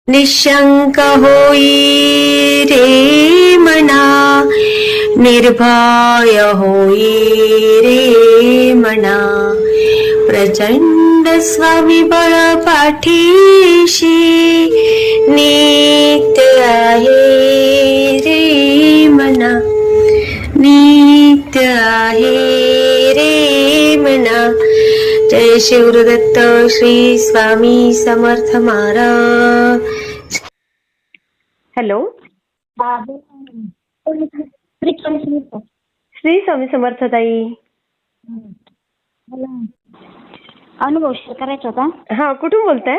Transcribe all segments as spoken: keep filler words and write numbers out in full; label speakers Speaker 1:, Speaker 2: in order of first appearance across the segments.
Speaker 1: निशंक होई रे मना, निर्भय होई रे मना, प्रचंड स्वामीबळ पाठीशी नित्य आहे रे मना, नित्य आहे रे मना. जय शिवदत्त श्री स्वामी समर्थ महाराज. हॅलो, श्री स्वामी समर्थ ताई.
Speaker 2: अनुभव शेअर करायचा होता.
Speaker 1: हा, कुठून बोलताय?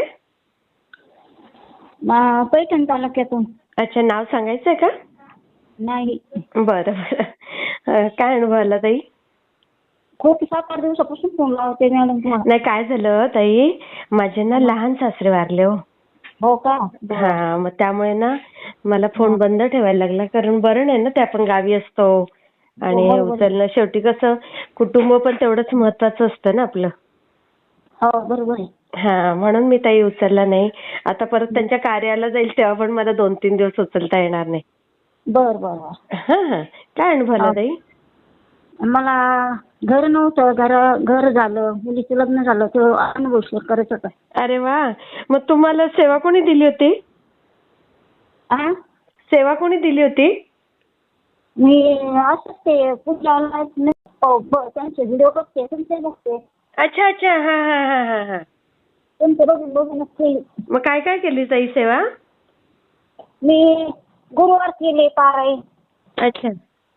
Speaker 2: मा- पैठण तालुक्यातून.
Speaker 1: अच्छा, नाव सांगायचंय का?
Speaker 2: नाही,
Speaker 1: बरं बरं. अं, काय अनुभव आला ताई?
Speaker 2: खूप सात आठ दिवसापासून फोन लावते मॅडम तुम्हाला.
Speaker 1: नाही, काय झालं ताई, माझे ना लहान सासरे वारले हो.
Speaker 2: हो का?
Speaker 1: हा, मग त्यामुळे ना मला फोन बंद ठेवायला लागला, कारण बरं नाही ना, ते आपण गावी असतो आणि
Speaker 2: हो, बरोबर.
Speaker 1: उचलणं, शेवटी कसं कुटुंब पण तेवढंच महत्वाचं असतं ना आपलं.
Speaker 2: हो, बरोबर आहे.
Speaker 1: हा, म्हणून मी ताई उचलला नाही. आता परत त्यांच्या कार्याला जाईल तेव्हा पण मला दोन तीन दिवस उचलता येणार नाही.
Speaker 2: बर बर बर.
Speaker 1: हा हा, काय अनुभव आला ताई?
Speaker 2: मला घर नव्हतं, घर घर झालं, मुलीचं लग्न झालं, तो अनुभव शेअर करायचा होता.
Speaker 1: अरे वा, मग तुम्हाला सेवा कोणी दिली होती?
Speaker 2: आ?
Speaker 1: सेवा कोणी दिली होती?
Speaker 2: मी असंच ते पुढल्या त्यांचे व्हिडिओ बघते, तुमचे बघते,
Speaker 1: अच्छा अच्छा, हा हा हा हा हा.
Speaker 2: तुमचे बघून बघूनच केली.
Speaker 1: मग काय काय केली ताई सेवा?
Speaker 2: मी गुरुवार केले पारायण.
Speaker 1: अच्छा,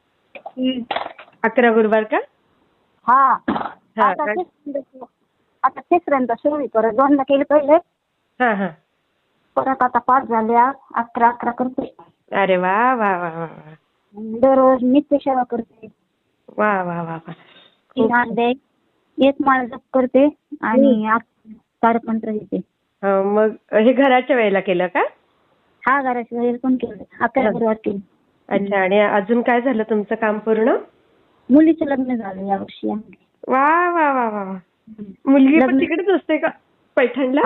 Speaker 1: अकरा गुरुवार का?
Speaker 2: हा,
Speaker 1: हा,
Speaker 2: आता
Speaker 1: काय?
Speaker 2: तिसऱ्यांदा आता तिसऱ्यांदा सुरू करत, दोनदा केले पहिले,
Speaker 1: हा हा.
Speaker 2: परत आता पाच झाले, अकरा अकरा करते.
Speaker 1: अरे वा वा वा वा वा.
Speaker 2: दररोज नित्य सेवा करते.
Speaker 1: वा वा वा वा.
Speaker 2: तीन अंडे, एक माळ जप करते आणि तारपंत्र घेते.
Speaker 1: हो, मग हे घराच्या वेळेला केलं का?
Speaker 2: हा, घराच्या वेळेला पण केलं, अकरा गुरुवार केले.
Speaker 1: अच्छा, आणि अजून काय झालं तुमचं काम पूर्ण?
Speaker 2: मुलीचं लग्न झालं यावर्षी.
Speaker 1: वा वा वा वा. मुलगी पण तिकडेच असते का पैठणला?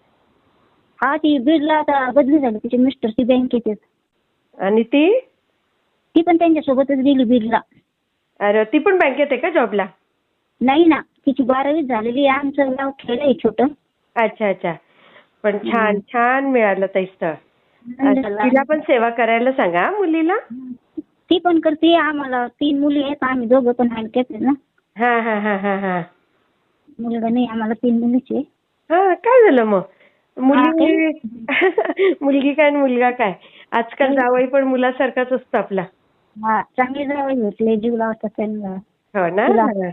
Speaker 2: हा, ती बीडला आता बदली झाली, तिचे मिस्टर ती बँकेत आहेत.
Speaker 1: आणि ती
Speaker 2: ती पण त्यांच्यासोबतच गेली बीडला.
Speaker 1: अरे, ती पण बँकेत आहे का जॉबला?
Speaker 2: नाही ना, तिची बारावी झालेली आहे. आमचं गाव खेड आहे छोटं.
Speaker 1: अच्छा अच्छा, पण छान छान मिळालं ताई स्थळ. तिला पण सेवा करायला सांगा मुलीला.
Speaker 2: ती पण करते. आम्हाला तीन मुली आहेत, आम्ही दोघं पण हलक्याच आहे ना.
Speaker 1: हा हा हा हा हा.
Speaker 2: मुलगा नाही, आम्हाला तीन मुलीचे.
Speaker 1: हा, काय झालं मग? मुली मुलगी काय मुलगा काय, आजकाल जावई पण मुलासारखाच असतो आपला.
Speaker 2: हा, चांगली जावई भेटले, जीव लावतात त्यांना.
Speaker 1: हो ना.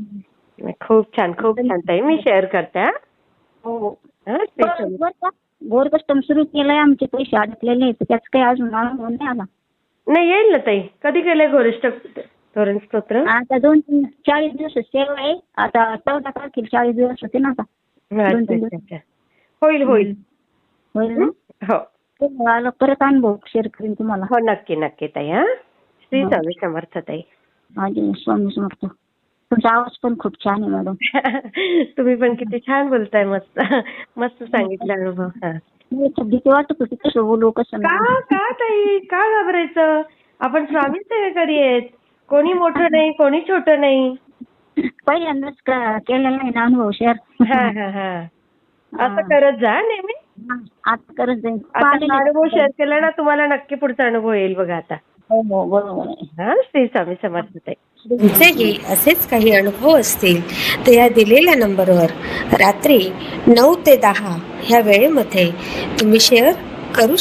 Speaker 1: खूप छान खूप छान ताई, मी शेअर करते. हा
Speaker 2: हो,
Speaker 1: हा,
Speaker 2: गोर कस्टम सुरू केलंय, आमचे पैसे अडकलेले आहेत, त्याच काही अजून अनुभव नाही आला.
Speaker 1: नाही, येईल ना ताई. कधी केलंय गोरिष्ठ धोरण स्तोत्र?
Speaker 2: आता दोन तीन चाळीस दिवस सेवा आहे. आता चौदा तारखेला चाळीस दिवस होते ना. आता दोन तीन दिवस
Speaker 1: होईल होईल
Speaker 2: होईल ना.
Speaker 1: हो,
Speaker 2: आलं परत अनुभव शेअर करेन तुम्हाला.
Speaker 1: हो, नक्की नक्की ताई. हा, श्री स्वामी समर्थ ताई.
Speaker 2: माझे स्वामी समर्थ. तुमचा आवाज पण खूप छान आहे मॅडम.
Speaker 1: तुम्ही पण किती छान बोलताय. मस्त मस्त सांगितलं अनुभव. हा,
Speaker 2: भीती वाटत होती कसं बोलू कसं
Speaker 1: का का ताई, का घाबरायचं? आपण स्वामी सेवेकरी आहेत. कोणी मोठं नाही, कोणी छोटं नाही.
Speaker 2: पहिल्यांदाच केलेला आहे ना अनुभव शेअर.
Speaker 1: हा हा हा, असं करत जा नेहमी.
Speaker 2: आता करत जाईल.
Speaker 1: आता अनुभव शेअर केला ना, तुम्हाला नक्की पुढचा अनुभव येईल बघा आता.
Speaker 2: हो हो, बरोबर आहे.
Speaker 1: हा, श्री स्वामी समर्थ ताई.
Speaker 3: तुमचेही असेच काही अनुभव असतील तर या दिलेल्या नंबरवर रात्री नऊ ते दहा ह्या वेळेमध्ये तुम्ही शेअर करू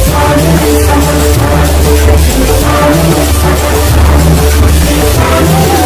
Speaker 3: शकता.